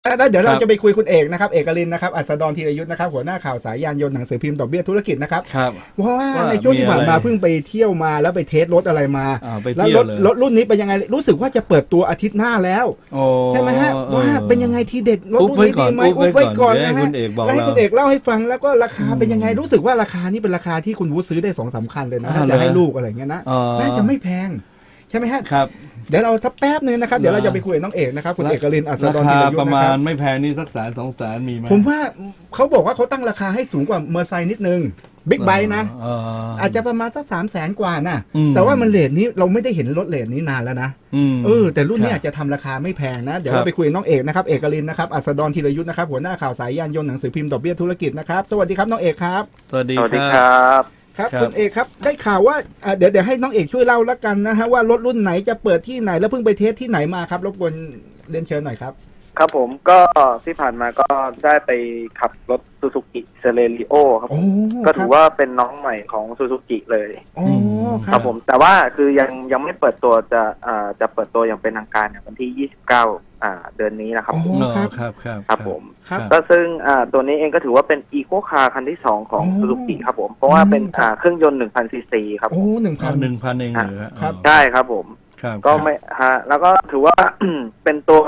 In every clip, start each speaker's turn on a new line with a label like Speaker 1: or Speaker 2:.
Speaker 1: แล้วเดี๋ยว
Speaker 2: ครับ
Speaker 1: เราจะไปคุยคุณเอกนะครับเอกลินนะครับอัสดรธีรยุทธนะครับหัวหน้าข่าวสายยานยนต์หนังสือพิมพ์ดอกเบี้ยธุรกิจนะครับ
Speaker 2: ครับ
Speaker 1: เพราะว่า
Speaker 2: ว่า
Speaker 1: ในช่วงที่ผ่านมา
Speaker 2: มีอะไร
Speaker 1: เพิ่งไปเที่ยวมาแล้วไปเทสรถอะไรมา
Speaker 2: ไป
Speaker 1: แล้ว
Speaker 2: เที่ยวเลย
Speaker 1: รถรุ่นนี้เป็นยังไงรู้สึกว่าจะเปิดตัวอาทิตย์หน้าแล้ว
Speaker 2: โอ้
Speaker 1: ใช่ไหมฮะว่าเป็นยังไงทีเด็ดรถ
Speaker 2: อุ๊บ
Speaker 1: รุ่น
Speaker 2: ไว้
Speaker 1: นี้
Speaker 2: ก่อน
Speaker 1: ดีไหม
Speaker 2: อุ๊บ
Speaker 1: อุ๊บไว้ก่อน
Speaker 2: เดี๋ยว
Speaker 1: นะ
Speaker 2: ให้
Speaker 1: ฮะ
Speaker 2: คุณเอกบอก
Speaker 1: แล้วให้
Speaker 2: เรา
Speaker 1: คุณเอกเล่าให้ฟังแล้วก็ราคาเป็นยังไงรู้สึกว่าราคานี่เป็นราคาที่คุณวูดซื้อได้2-3 คันเลยนะถ้าจะให้ลูกอะไรเงี้ยนะน่าจะไม่แพงใช่ไหมฮะ
Speaker 2: ครับ
Speaker 1: เดี๋ยวเราทับแป๊บนึงนะครับเดี๋ยวเราจะไปคุยกับน้องเอกนะครับคุณเอกลินอัส
Speaker 2: รา
Speaker 1: ดร
Speaker 2: คา
Speaker 1: ธีรยุท
Speaker 2: ประ
Speaker 1: ธนะ
Speaker 2: มา
Speaker 1: ค
Speaker 2: ณ
Speaker 1: รับ
Speaker 2: ไม่แพงนี่สัก1-2 แสนมีไหม
Speaker 1: ผมว่าเขาบอกว่าเขาตั้งราคาให้สูงกว่าเมอร์ไซค์นิดนึงบิ๊กไบค์นะอาจจะประมาณสัก300,000 กว่านะแต่ว่ามันเรทนี้เราไม่ได้เห็นรถเรทนี้นานแล้วนะแต่รุ่นนี้อาจจะทำราคาไม่แพงนะเดี๋ยวเราไปคุยกับน้องเอกนะครับเอกลินนะครับอัสดรธีรยุทธนะครับหัวหน้าข่าวสายยานยนต์หนังสือพิมพ์ดอกเบี้ยธุรกิจนะครับสวัสดีครับน้องเอกครับ
Speaker 2: สวัสดี
Speaker 3: สวัสดี
Speaker 2: ค
Speaker 3: ค
Speaker 2: รั
Speaker 3: รับ
Speaker 1: ครับคุณเอกครับได้ข่าวว่าเดี๋ยวให้น้องเอกช่วยเล่าแล้วกันนะฮะว่ารถรุ่นไหนจะเปิดที่ไหนแล้วเพิ่งไปเทสที่ไหนมาครับรบกวนเรียนเชิญหน่อยครับ
Speaker 3: ครับผมก็ที่ผ่านมาก็ได้ไปขับรถซูซูกิเซเลริโอครับก็ถือว่าเป็นน้องใหม่ของซูซูกิเลยครับผมแต่ว่าคือยังไม่เปิดตัวจะเปิดตัวอย่างเป็นทางการเนี่ยวันที่29เดือนนี้นะครับครับผมก็ซึ่งตัวนี้เองก็ถือว่าเป็นอีโคคาร์คันที่2ของซูซูกิครับผมเพราะว่าเป็นเครื่องยนต์ 1,000 ซีซีครับ
Speaker 1: โอ้
Speaker 2: 1,000เองเหรอ
Speaker 1: ครับ
Speaker 3: ใช่ครับผมก็ไม่แล้วก็ถือว่า เป็นตัว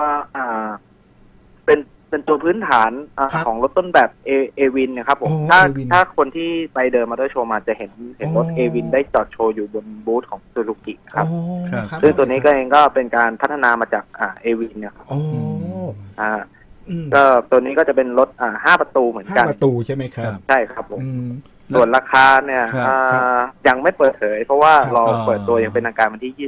Speaker 3: เป็นตัวพื้นฐานของรถต้นแบบเอวินนะครับผมถ้าคนที่ไปเดินมอเตอร์โชว์มาจะเห็นรถเอวินได้จอดโชว์อยู่บนบูธของซูซูกิครับซึ่งตัวนี้ก็เองก็เป็นการพัฒนามาจากเอวินเนี่ยครับก็ตัวนี้ก็จะเป็นรถ5 ประตูเหมือนกัน
Speaker 1: 5 ประตูใช่ไหมครับ
Speaker 3: ใช่ครับผมส่วนราคาเนี่ยยังไม่เปิดเผยเพราะว่าเราเปิดตัวอย่างเป็นทางการวันที่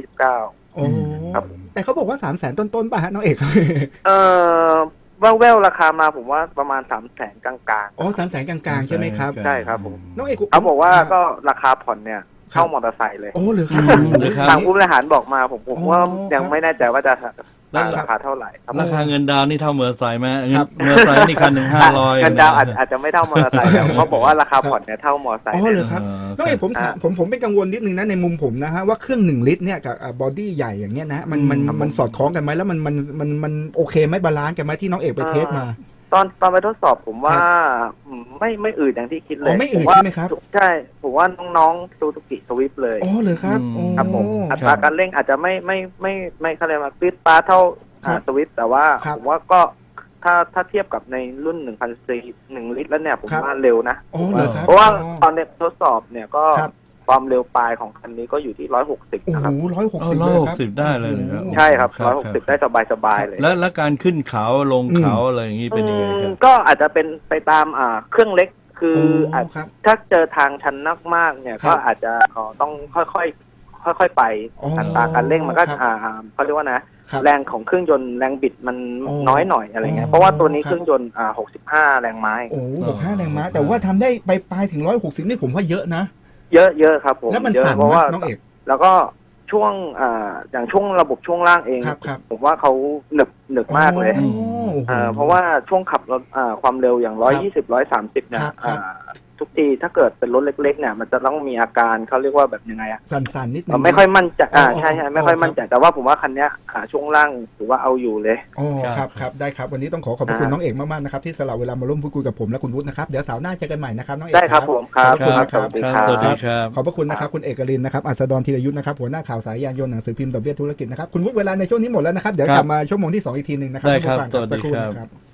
Speaker 3: 29ครับ
Speaker 1: แต่เขาบอกว่า300,000 ต้นๆป่ะฮะน้องเอก
Speaker 3: แววราคามาผมว่าประมาณ300,000 กลาง
Speaker 1: ๆ300,000 กลางๆใช่ไหมครับ
Speaker 3: ใช่ครับผม
Speaker 1: น้องเอก
Speaker 3: เขาบอกว่าก็ราคาผ่อนเนี่ยเข้ามอเตอร์ไซค์เลย
Speaker 1: หรือครับ
Speaker 3: ทางผู้บริหารบอกมาผมว่ายังไม่แน่ใจว่าจะราคาเท่าไหร่
Speaker 2: ราคาเงินดาวนี่เท่ามอเตอร์ไซค์ไหมมอเตอร์ไซค์นี่คันหนึ่ง500
Speaker 3: เงินดาวอาจจะไม่เท่ามอเตอร์ไซค์แต่เขาบอกว่าราคาผ่อนเนี่ยเท่ามอเตอร์ไซค์
Speaker 1: เลยครับน้องเอกผมเป็นกังวลนิดนึงนะในมุมผมนะฮะว่าเครื่อง1 ลิตรเนี่ยกับบอดี้ใหญ่อย่างเงี้ยนะมันสอดคล้องกันไหมแล้วมันโอเคไหมบาลานซ์กันไหมที่น้องเอกไปเทสมา
Speaker 3: ตอนไปทดสอบผมว่าไม่อืดอย่างที่คิดเลย
Speaker 1: ไม่อืดใช่ไหมครับ
Speaker 3: ใช่ผมว่าน้องๆซูซูกิสวิฟเลย
Speaker 1: เลยครับ
Speaker 3: ครับผมอัตราการเร่งอาจจะไม่เขาเรียกว่าปี๊ดป๊าดเท่าสวิฟแต่ว่าผมว่าก็ถ้าเทียบกับในรุ่น1,000 ซี1 ลิตรแล้วเนี่ยผมว่าเร็วนะเพราะว่าตอนทดสอบเนี่ยก็ความเร็วปลายของคันนี้ก็อยู่ที่160นะครับ
Speaker 2: 160ได้เลยครับ
Speaker 3: ใช่ครับ160ได้สบายเลย
Speaker 2: แล้วการขึ้นเขาลงเขาอะไรอย่างนี้เป็นยังไงครับ
Speaker 3: ก็อาจจะเป็นไปตามเครื่องเล็กคือถ้าเจอทางชันมากๆเนี่ยก็อาจจะต้องค่อยๆไปอัตราการเร่งมันก็เขาเรียกว่านะแรงของเครื่องยนต์แรงบิดมันน้อยหน่อยอะไรเงี้ยเพราะว่าตัวนี้เครื่องยนต์65 แรงม้า
Speaker 1: 65 แรงม้าแต่ว่าทำได้ไปปลายถึง160นี่ผมว่าเยอะนะ
Speaker 3: เยอะครับผม
Speaker 1: แล้วมันสั่นมากน้องเอก
Speaker 3: แล้วก็ช่วงอย่างช่วงระบบช่วงล่างเองผมว่าเขาหนึบมากเลยเพราะว่าช่วงขับรถความเร็วอย่าง120-130เนี่ยทุกทีถ้าเกิดเป็นรถเล็กๆเนี่ยมันจะต้องมีอาการเขาเรียกว่าแบบยังไง
Speaker 1: สั่นๆนิดนึง
Speaker 3: ไม่ค่อยมั่นใจใช่ไม่ค่อยมั่นใจแต่ว่าผมว่าคันนี้ช่วงล่างถือว่าเอาอยู่เลย
Speaker 1: ครับได้ครับวันนี้ต้องขอบคุณน้องเอกมากๆนะครับที่สละเวลามาร่วมพูดคุยกับผมและคุณวุฒินะครับเดี๋ยวเสาร์หน้าเจอกันใหม่นะครับน้องเอก
Speaker 3: ได้ครับผมครับ
Speaker 1: ขอบคุณนะครับ
Speaker 2: สวัสดีครับ
Speaker 1: ขอบพระคุณนะครับคุณเอกลินนะครับอัสดรธีรยุทธนะครับหัวหน้าข่าวสายยานยนต์หนังสือพิมพ์ดอกเบี้ยธุรกิจนะครับคุณวุฒิเวลาในช่วงนี้หมดแล้วนะครับเดี๋ยวกลับมาชั่วโมงที่2อีกทีนึงนะครับ
Speaker 2: ได้ครับสวัสดีครับ